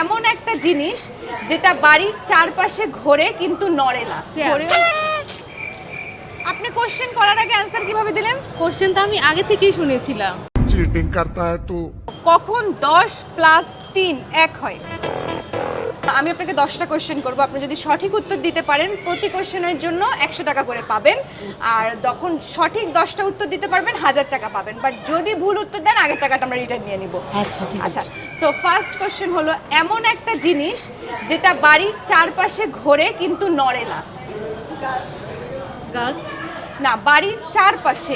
এমন একটা জিনিস যেটা বাড়ির চারপাশে ঘোরে কিন্তু নড়ে না। আপনি কোশ্চেন করার আগে অ্যানসার কিভাবে দিলেন? কোশ্চেনটা আমি আগে থেকেই শুনেছিলাম। चीटिंग करता है तू। কখন 10 + 3 1 হয়? আমি আপনাকে 10টা কোশ্চেন করব, আপনি যদি সঠিক উত্তর দিতে পারেন প্রতি কোশ্চেনের জন্য 100 টাকা করে পাবেন, আর যখন সঠিক 10টা উত্তর দিতে পারবেন 1000 টাকা পাবেন, বাট যদি ভুল উত্তর দেন আগের টাকাটা আমরা রিটার্ন নিয়ে নিব। আচ্ছা ঠিক আচ্ছা, আছে। সো ফার্স্ট কোশ্চেন হলো এমন একটা জিনিস যেটা বাড়ির চারপাশে ঘোরে কিন্তু নড়ে না। গাছ। না, বাড়ির চারপাশে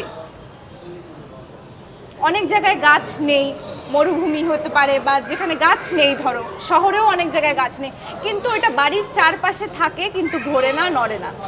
অনেক জায়গায় গাছ নেই, মরুভূমি হতে পারে বা যেখানে গাছ নেই, ধরো শহরেও অনেক জায়গায় গাছ নেই, কিন্তু এটা বাড়ির চারপাশে থাকে কিন্তু ঘোরে না, নড়ে না।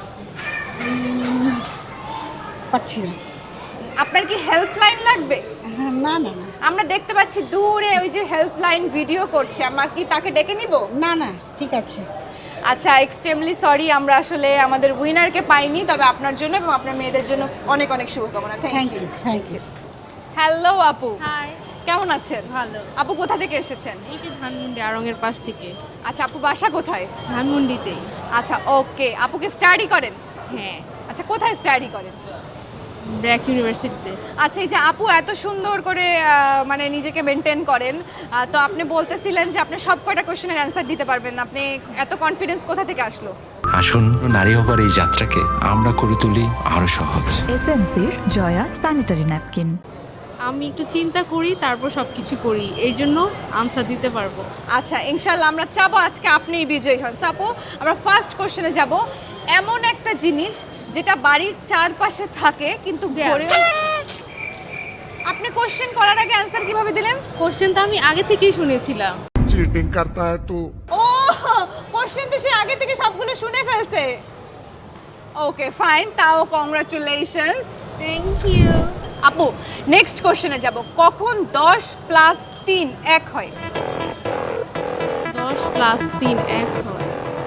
পাচ্ছি না। আপনার কি হেল্পলাইন লাগবে? হ্যাঁ, না না না আমরা দেখতে পাচ্ছি দূরে ওই যে হেল্পলাইন ভিডিও করছে, আমরা কি তাকে ডেকে নিব? না না ঠিক আছে। আচ্ছা, এক্সট্রিমলি সরি, আমরা আসলে আমাদের উইনারকে পাইনি, তবে আপনার জন্য এবং আপনার মেয়েদের জন্য অনেক অনেক শুভকামনা। Thank thank you you. Thank you. Hello আপু, হাই। কেমন আছেন? ভালো। আপু কোথা থেকে এসেছেন? এই যে ধানমন্ডি আড়ংয়ের পাশ থেকে। আচ্ছা, আপু বাসা কোথায়? ধানমন্ডিতেই। আচ্ছা, ওকে। আপুকে স্টাডি করেন? হ্যাঁ, আচ্ছা, কোথায় স্টাডি করেন? ব্র্যাক ইউনিভার্সিটিতে। আচ্ছা, এই যে আপু এত সুন্দর করে মানে নিজেকে মেনটেন করেন, তো আপনি বলতেছিলেন যে আপনি সব কয়টা কোশ্চেনের অ্যান্সার দিতে পারবেন, আপনি এত কনফিডেন্স কোথা থেকে আসলো? আসুন, নারী হবার এই যাত্রাকে আমরা করে তুলি আরো সহজ। এসএমসির জয়া স্যানিটারি ন্যাপকিন। আমি একটু চিন্তা করি, তারপর সব কিছু করি, এই জন্য আনসার দিতে পারবো। আচ্ছা, ইনশাল্লাহ আমরা চাবো আজকে আপনিই বিজয়ী হন। So, আপু, আমরা ফার্স্ট কোশ্চেনে যাব। এমন একটা জিনিস যেটা বাড়ির চারপাশে থাকে কিন্তু ঘোরে। আপনি কোশ্চেন করার আগে অ্যান্সার কিভাবে দিলেন? কোশ্চেনটা আমি আগে থেকেই শুনেছিলাম। चीटिंग करता है तू। ও, কোশ্চেন তো সে আগে থেকে সবগুলো শুনে ফেলছে। ওকে ফাইন, তাও কংগ্রাচুলেশনস। Thank you. আপু, নেক্সট কোশ্চেনে যাব। কখন 10 + 3 1 হয়? 10 + 3 1 হয়।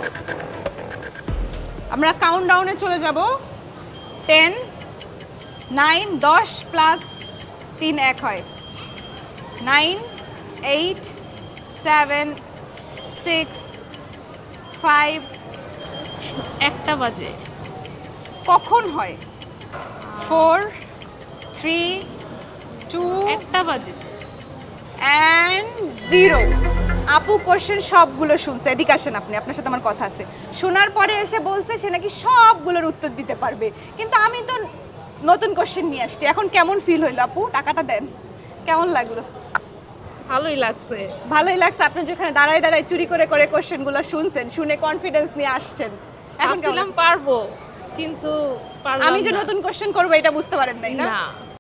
আমরা কাউন্টডাউনে চলে যাব। 10 9 10 + 3 1 হয়। 9 8 7 6 5। একটা বাজে। কখন হয়? 4 3 2 একটা বাজে। and 0। আপু কোশ্চেন সবগুলো শুনছে, এদিকে আসেন আপনি, আপনার সাথে আমার কথা আছে। শোনার পরে এসে বলছে সে নাকি সবগুলোর উত্তর দিতে পারবে, কিন্তু আমি তো নতুন কোশ্চেন নিয়ে আসছি। এখন কেমন ফিল হইলো আপু? টাকাটা দেন। কেমন লাগলো? ভালোই লাগছে। ভালোই লাগছে। আপনি যেখানে দাঁড়ায় দাঁড়ায় চুরি করে করে কোশ্চেনগুলো শুনছেন, শুনে কনফিডেন্স নিয়ে আসছেন, এখন কেমন ভাবছিলাম লাগছে? পারবো, কিন্তু পারলাম আমি যে না। নতুন কোশ্চেন করবো এটা বুঝতে পারেন নাই না? না।